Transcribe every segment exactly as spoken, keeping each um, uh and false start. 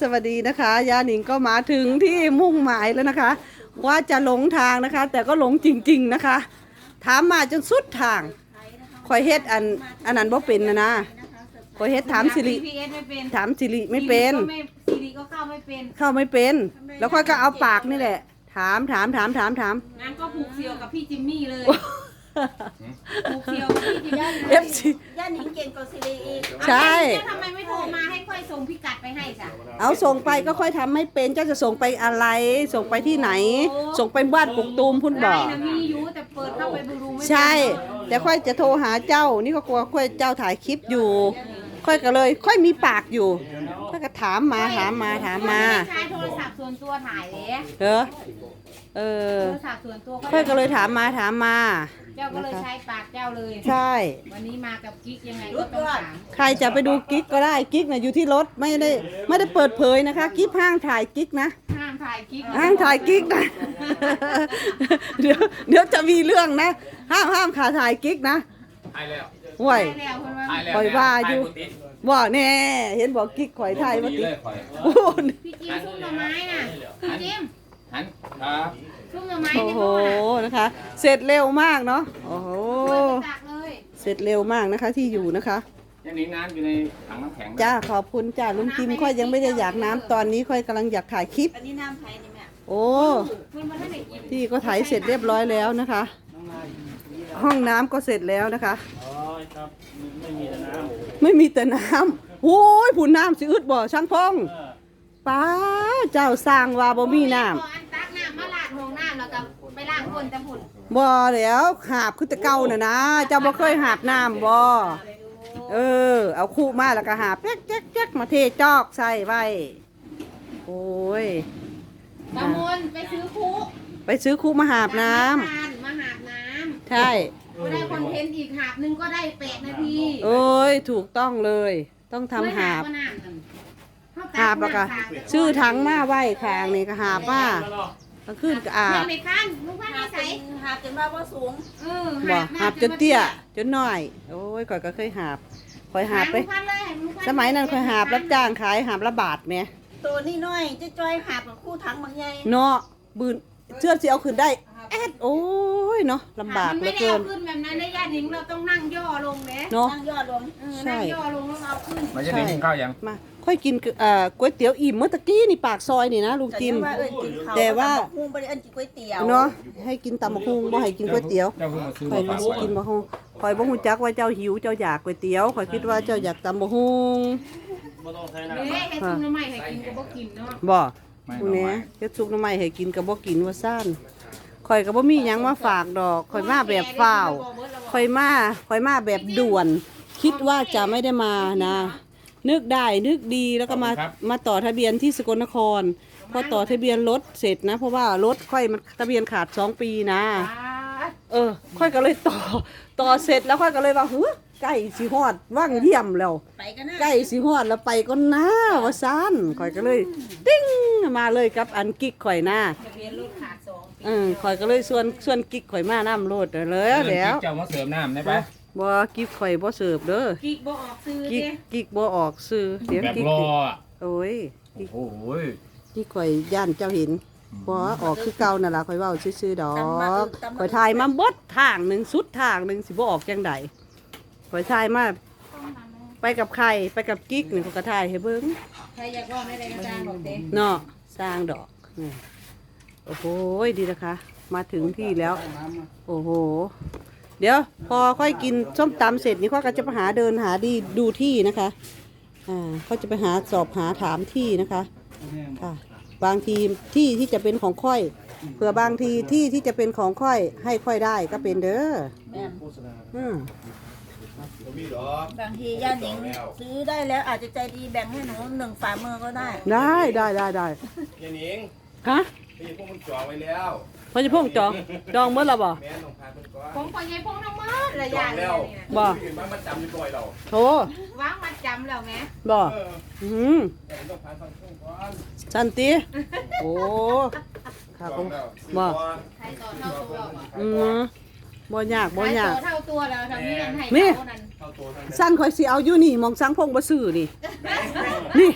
สวัสดีนะคะยาหนิงก็มาถึงที่มุ่งหมายแล้วนะคะ ว่าจะหลงทางนะคะ แต่ก็หลงจริงๆนะคะ ถามมาจนสุดทางคอยเฮ็ดอันอันนั้นบ่เป็นนะนะคอยเฮ็ดถามสิริพี เอส ไม่เป็นถามสิริไม่เป็นสิริก็เข้าไม่เป็นเข้าไม่เป็น แล้วค่อยก็เอาปากนี่แหละ ถามถามถามถามถามงั้นก็ผูกเสี่ยวกับพี่จิมมี่เลยผูกเสี่ยวกับพี่จิมมี่เอฟซีย่าหนิงเก่งกว่าซิริอีกใช่แล้วทำไมไม่โทรมาให้ค่อยส่งพิกัดไปให้จ้ะเอาส่งไปก็ค่อยทำไม่เป็นเจ้าจะส่งไปอะไร ส่งไปที่ไหน ส่งไปบ้านกกตูมพุ่นบอกไลน์นะมีอยู่แต่เปิดเข้าไปดูไม่ได้ใช่ แต่ค่อยจะโทรหาเจ้า นี่ก็กลัวค่อยเจ้าถ่ายคลิปอยู่ ค่อยก็เลย ค่อยมีปากอยู่ค่อยก็ถามมาถามมาถามมาไใช้โทรศัพท์ส่วนตัวถ่ายเลยเหรอเออโทรศัพท์ส่วนตัวค่อยก็เลยถามมาถามมาเจ้าก็เลยใช้ปากเจ้าเลยใช่วันนี้มากับกิ๊กยังไงก็ต้องถามใครจะไปดูกิ๊กก็ได้กิ๊กนะอยู่ที่รถไม่ได้ไม่ได้เปิดเผยนะคะกิ๊กห้างถ่ายกิ๊กนะห้ามถ่ายกิ๊กห้างถ่ายกิ๊กนะ เดี๋ยวเดี๋ยวจะมีเรื่องนะ ห้ามห้ามขาถ่ายกิ๊กนะตายแล้วห่วยได้แล้วคนว่าตายแล้วปล่อยว่าอยู่ตบุติว่าแน่เห็นบอกกิ๊กข่อยถ่ายมาติเลยข่อยโอ้โหพี่จิมซุ่มหน่อไม้น่ะพี่จิมหันครับซุ่มหน่อไม้โอ้ในโหโบน่ะนะคะ เสร็จเร็วมากเนาะโอ้โหตักเลยเสร็จเร็วมากนะคะที่อยู่นะคะยังนี้น้ำอยู่ในถังน้ำแข็งจ้าขอบคุณจ้าลุงจิมค่อยยังไม่ได้อยากน้ำตอนนี้ค่อยกำลังอยากถ่ายคลิปอันนี้น้ำไผ่นี่แม่โอ้เพื่อนมาท่านไหนกินที่ก็ถ่ายเสร็จเรียบร้อยแล้วนะคะ ห้องน้ำก็เสร็จแล้วนะคะอ๋อครับไม่มีแต่น้ไม่มีแต่น้ำโอ้ยผุนน้ำสิอึดบ่ช่างพงำเออป้าเจ้าสร้างว่าบ่มีน้อันตักน้ำมาลาดห้องน้ำแล้วก็ไปล้างคนแต่ผุนำบ่แล้วหาบคือแต่เก่าน่ะนะเจ้าบ่เคยหาบน้ำบ่เออ เอาคู่มาแล้วก็หาบแจ๊กแจ๊กแจ๊กมาเทจอกใส่ไว้โอ้ยตะมนไปซื้อคุไปซื้อคู่มาหาบน้ำมาหาบน้ำใช่ก็ได้คอนเทนต์อีกหาบหนึงก็ได้แปดนาทีโอ้ยถูกต้องเลย ต้องทำหาบก็น้ำนั่นเขหาบแล้วก็ตัน้ำสามชื่อถังมาไว้ข้างนี่ก็หาบมาก็ขึ้นก็อาเพื่อนบในขั้นลุงพันหาธุ์จใส่นหาจนว่าว่าสูงเออบ่น้ำหาบจนเตี้ยจนน้อย โอ้ยก่อยก็เคยหาบคอยหาบไปลุงพันธุ์เลยลุงพันธุ์สมัยนั้นคอยหาบรับจ้างขายหาบละบาทแหมตัวนี้น้อยจะจอยหาบกับคู่ถังบางใหญ่เนาะบืนเชื่อสิเอาขึ้นได้แอดโอ้ยเนาะลำบากมันเหลืไม่อได้เกิเอานขึ้นแบบนั้นนะญาติหญิงเราต้องนั่งย่อลงเลยเนาะนั่งยอดลงเออใช่นั่งย่อลงแล้วเอาขึ้นมันจะได้กินข้าวยังมาค่อยกินเอ่อก๋วยเตี๋ยวอิ่มเมื่อตะกี้นี่ปากซอยนี่นะลุงจิมว่าเอิ้นกินข้าวแต่ว่าคู่บ่ได้เอิ้นกินก๋วยเตี๋ยวเนาะให้กินตำบักหุ่งบ่ให้กินก๋วยเตี๋ยวเจ้าเพิ่งมาซื้อข่อยมาก็ฝากสิไว้กินบักหุ่งข่อยบ่ฮู้จักว่าเจ้าหิวเจ้าอยากก๋วยเตี๋ยวข่อยคิดว่าเจ้าอยากตำบักหุ่งไม่ต้องใช้น้เอ๊ะไอ้ซุปน้ำใหม่ให้กินก็บ่กินเนาะบ่ไม่พวกเอานี้ไว้เฮ็ดซุปหน้ำใหม่ให้กินก็บ่กินว่าซ่านข่อยก็บ่มีหยังมาฝากดอกข่อยมาแบบฝ้าวข่อยมาข่อยมาแบบด่วน คิดว่าจะไม่ได้มานะ นึกได้นึกดีแล้วก็มามาต่อทะเบียนที่สกลนครพอต่อทะเบียนรถเสร็จนะ เพราะว่ารถค่อยมันทะเบียนขาดสองปีนะ เออ ค่อยก็เลยต่อต่อเสร็จแล้วค่อยก็เลยว่าเฮ้ยใกล้สิฮอดว่างเยี่ยมแล้วไปกันนะใกล้สิฮอดแล้วไปก็น้าว่าซ่านข่อยก็เลย ติ้งมาเลยกับอันกิ๊กข่อยหน้าทะเบียนรถขาดสองเออข่อยก็เลยชวนชวนกิ๊กข่อยมาน้ำโลดเลยเพื่อนแล้วกิ๊กเจ้ามาเสริมน้ำได้ปะบ่กิ๊กข่อยบ่เสิร์ฟเด้อกิ๊กบ่ออกซื้อกิ๊กเด้กิ๊กบ่ออกซื้อเสียงแบบกิ๊กรอดิอ่ะโอ้ยโอ้โหกิ๊กข่อยย่านเจ้าเห็นบ่ออกคือเก่านั่นล่ะข่อยเว้าซื่อๆดอกข่อยถ่ายมาเบิดทางหนึงสุดทางหนึงสิบ่ออกจังไดข่อยถ่ายมาไปกับใครไปกับกิ๊กนี่ข่อยก็ถ่ายให้เบิ่งใครอยากบอกไม่ได้กระจางบอกเด้เนาะสร้างดอกอืมโอ้โหดีนะคะ มาถึงที่แล้ว โอ้โห เดี๋ยว พอค่อยกินส้มตำเสร็จนี่ค่อยก็จะไปหาเดินหาดีดูที่นะคะอ่าก็จะไปหาสอบหาถามที่นะคะค่ะ บางทีที่ที่จะเป็นของค่อยเผื่อบางทีที่ที่จะเป็นของค่อยให้ค่อยได้ก็เป็นเด้อแม่นอืมบางทีย่าหนิงซื้อได้แล้วอาจจะใจดีแบ่งให้หนูหนึ่งฝ่ามือก็ได้ได้ได้ได้ได้ยายหนิงฮะพี่พวกมันจองไว้แล้วพอจะพ่งจองจองเมื่อไรบ่แม่น้องพาเพิ่นก่อนของพ่อใหญ่พงน้ำมันระจยะองเนี่แล้ยว เนี่ยบ่พี่อื่นมามาจำอยู่บ่อยเราโถวางมัดจำแล้วไงบ่เอออืมแต่ต้องพาฟังช่วงก่อนสันติ โอ้ค่ะจผองมแล้วบ่ใครต่อเท่าตัวอ่ะอืมบ่ยากใคบ่รยาต่กอเท่าตัวแล้วทำนี้กันให้นี่เขานั่นเข้าตัวทั้งสั้นข่อยสิเอาอยู่นี่มองสังพงบ่ซื้อนี่ นี่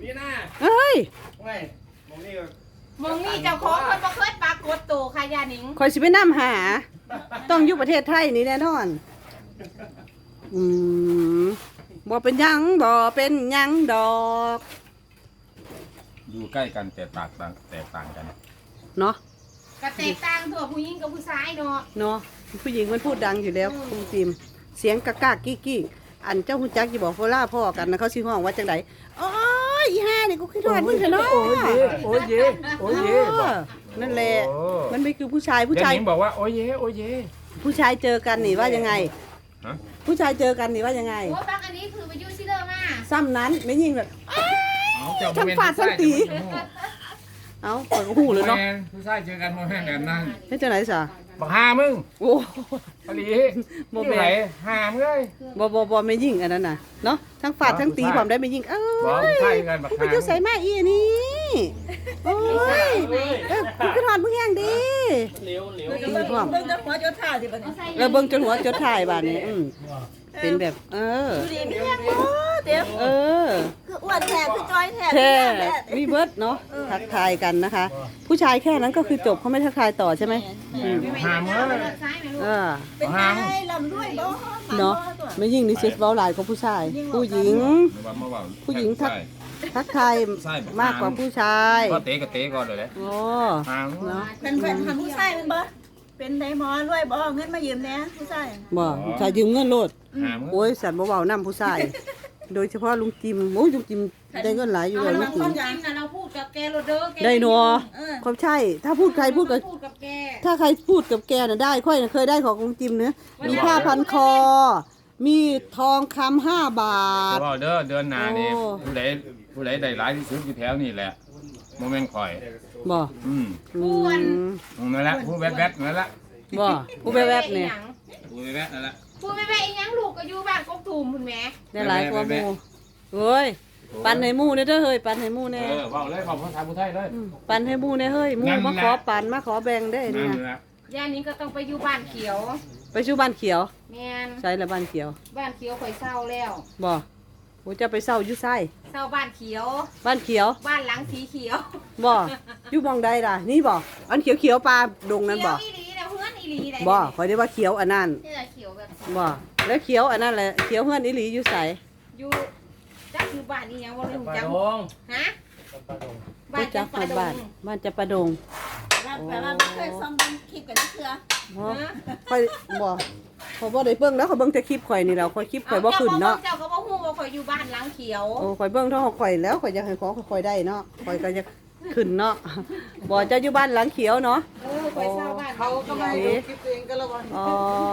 พี่หน้าเอ้ยเว้ยมองนี่ก็มองนี่เจ้าของคนบ่เคยปรากฏตัวค่ะยาหนิงคอยสิไปนำหา ต้องอยู่ประเทศไทยนี่แน่นอน อืมบ่เป็นหยังบ่เป็นหยังดอกอยู่ใกล้กันแต่แตกต่างแตกต่างกันเนาะก็แตกต่างตัวผู้หญิงกับผู้ชายเนาะเนาะผู้หญิงมันพูดดังอยู่แล้วคุณจิมเสียงกะกากกี้กี้อันเจ้าหุ่นจักอยู่บอกโฟล่าพ่อกันนะเขาชื่อห้องว่าจังไดโอ้ยอีห่านี่กูคิดว่ามึงเถอะเนาะโอ้ยเย่โอ้ยเย่โอ้ยเย่เออนั่นแหละโอ้มันไม่คือผู้ชายผู้เดี๋ยวชายหนิงบอกว่าโอ้ยเย่โอ้ยเย่ผู้ชายเจอกันนี่ว่ายังไงฮะผู้ชายเจอกันนี่ว่ายังไงโอ้บางอันนี้คือไปอยู่ซิเลอร์มาซ้ำนั้นไม่ยิ่งแบบเอาเจ้าทั้งฝาดทั้งตี เอ้าปล่อยก็หูเลยเนาะผู้ชายเจอกันโมแม่นกันนั่งเฮ็ดจังไหนซะบอกหามึงโอ้อลีโมที่แม่ไหนหามึงเลยบ่บ่บ่ไม่ยิ่งอันนั้นน่ะเนาะทั้งฝาดทั้งตีพร้อมได้ไม่ยิ่งเอ้บอกยผู้ชายกันบอกไปหาอยู่ใส่มาอีอันนี่โอ้ยเออกูก็ถอนมึงแห้งดีเหลียวเหลียวเบิ่งเบิ่งเบิ่งจะหัวจะท่าสิบัดนี้เออเบิ่งจนหัวจดถ่ายบาดนี้อืมเป็นแบบ เออดูดิมีแห้งบ่เต็มเออคืออ้วนแท้คือจอยแท้แค่คือแท้มีเบิร์ดเนาะทักทายกันนะคะ ผู้ชายแค่นั้นก็คือจบเขาไม่ทักทายต่อใช่ไหมอืมหามึงเลยเลือกซ้ายไหมลูกเออเป็นไงลำด้วยบ่เนาะไม่ยิ่งนี่เซฟเว้าหลายกว่าผู้ชาย ผู้หญิง ผู้หญิงทัก ทักทายมากกว่าผู้ชายก็เตะก็เตะก่อนเลยแหละโอ้หามึงเนาะเป็นแฟนทำผู้ชายเป็นบ่เป็นไดหมอรวยบ่เงินมายืมแหน่ผู้ชายบ่ผู้ชายยืมเงินโลดหามึงโอ้ยสันบ่เว้านํผู้ชาย โดยเฉพาะลุงจิมโอ้ยลุงจิมได้เงินหลายอยู่เอาเลยเราลุงจิคมวามจริงนะเราพูดกับแกโรเดอร์แกได้นัวเออความใช่ ถ้าพูดใครพูดกับพูดกับแกถ้าใครพูดกับแกน่ะได้ ค่อยน่ะเคยได้ของลุงจิมเนื้อมีผ้าพันคอ มีทองคำห้าบาทบอกเด้อเดือนหน้านี่โอ้ผู้ใดผู้ใดได้หลายที่สุดอยู่แถวนี่แหละโมเมนต์คอยบ่อืมอืมนั่นแหละผู้แวดแวดนั่นแหละบ่ผู้แวบๆเนี่ยผู้แวดแวดนั่นแหละพูดไม่ไปอีหยังลูกก็อยู่บ้านกกตูมคุณแม่ได้หลายกว่าหมู่เฮ้ย ปันให้หมู่เด้อเด้อเฮ้ย ปันให้หมู่แน่เออบอกเลยบอกภาษาผู้ไทยเลยมปันให้หมู่แน่เฮ้ยหมู่นั่นมาแหละขอปันมาขอแบ่งได้นั่เนี่ยนแหละย่านี้ก็ต้องไปอยู่บ้านเขียวไปชูบ้านเขียวแม่นใช่ละบ้านเขียวบ้านเขียวข่อยเศร้าแล้วบ่โหจะไปเศร้าอยู่ไส้เศร้าบ้านเขียวบ้านเขียวบ้านหลังสีเขียวบ่อยู่หมองใดล่ะ นี่บ่อันเขียวเขียวๆปลาดงนั้นเขียบ่วอีหลีนะเพื่อนอีหลีนะบ่ขอยได้ว่าเขียวอันนั้นนี่แหละเขียวแบบบ่แล้วเขียวอันนั้นแหละเขียวเฮือนอีหลีอยู่ไสอยู่จักอยู่บ้านนี่ยังบ่รู้ปลาจักดงฮะบ้ารู้นจัจักกหปมู่ลาดบ้านงบ้านจะประดงแล้วแปลว่าบ่เคยซ่อมเป็นคลิปกันเทื่อบ่ค่อยบ่ขอยบ่ได้เบิ่งแล้วขอยเบิ่งแต่คลิปข่อยนี่แหล้วข่อยคลิปข่อยบ่ขึ้นเนาะเจ้าก็บ่ฮู้ว่าข่อยอยู่บ้านหลังเขียวโอ้ข่อยเบิ่งเท่าของข่อยแล้วข่อยอยากให้ของข่อยได้เนาะข่อยก็อยากขึ้นเนาะบ่เจะอยู่บ้านหลังเขียวเนาะเออข่อยเศร้าบ้านเขาก็มาเอ๊ะอ๋อ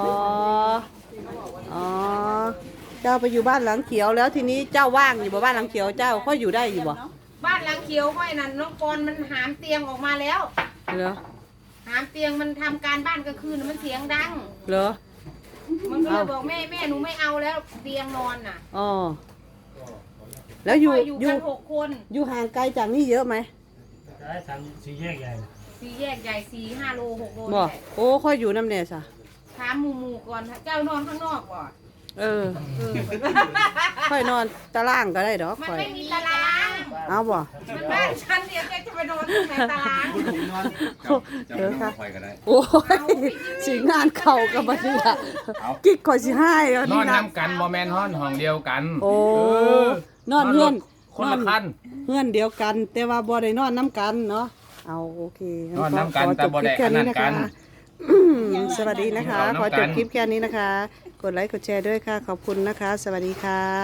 อ๋อเจ้าไปอยู่บ้านหลังเขียวแล้วทีนี้เจ้าว่างอยู่บ่บ้านหลังเขียวเจ้าค่อยอยู่ได้อยู่บ่บ้านหลังเขียวข่อยนั่นน้องกรมันหามเตียงออกมาแล้วเหรอหามเตียงมันทำการบ้านกลางคืนมันเสียงดังเหรอมันก็เลยเอาบอกแม่แม่หนูไม่เอาแล้วเตียงนอนน่ะอ๋อแล้วอยู่ข่อยู่อยู่กันหกคนอยู่ห่างไกลจากนี่เยอะไหมได้ทำสี่แยกใหญ่สี่แยกใหญ่สี่ห้าโลหกโลบ่นี่แหละโอ้ค่อยอยู่น้ำแน่ซะถามหมู่หมู่ก่อนเจ้านอนข้างนอกก่อนเออค่อยนอนตารางก็ได้ดอกมันค่อยไม่มีตารางเอาบ่มันบ้านฉันเดียวแกจะไปนอนที่ไหนตารางเดี๋ยวค่ะคอยก็ได้โอ้ยสิงานเข่ากับบัดนี้ล่ะกิ๊กข่อยสิให้เอานนี่อนนะน้ำกันโมเมนต์ห้องห้องเดียวกันโอ้เนอนเฮือนคนละคันเฮือนเดียวกัน แต่ว่าบ่ได้นอนน้ำกันเนาะเอาโอเคงั้นอนน้ำกันขอแต่จบบ่คลิได้ปแค่นี้อันนั้นะนกัคะนอืมสวัสดีนะคะกินข้าวน้ำกันขอจบคลิปแค่นี้นะคะ กดไลค์กดแชร์ด้วยค่ะ ขอบคุณนะคะ สวัสดีค่ะ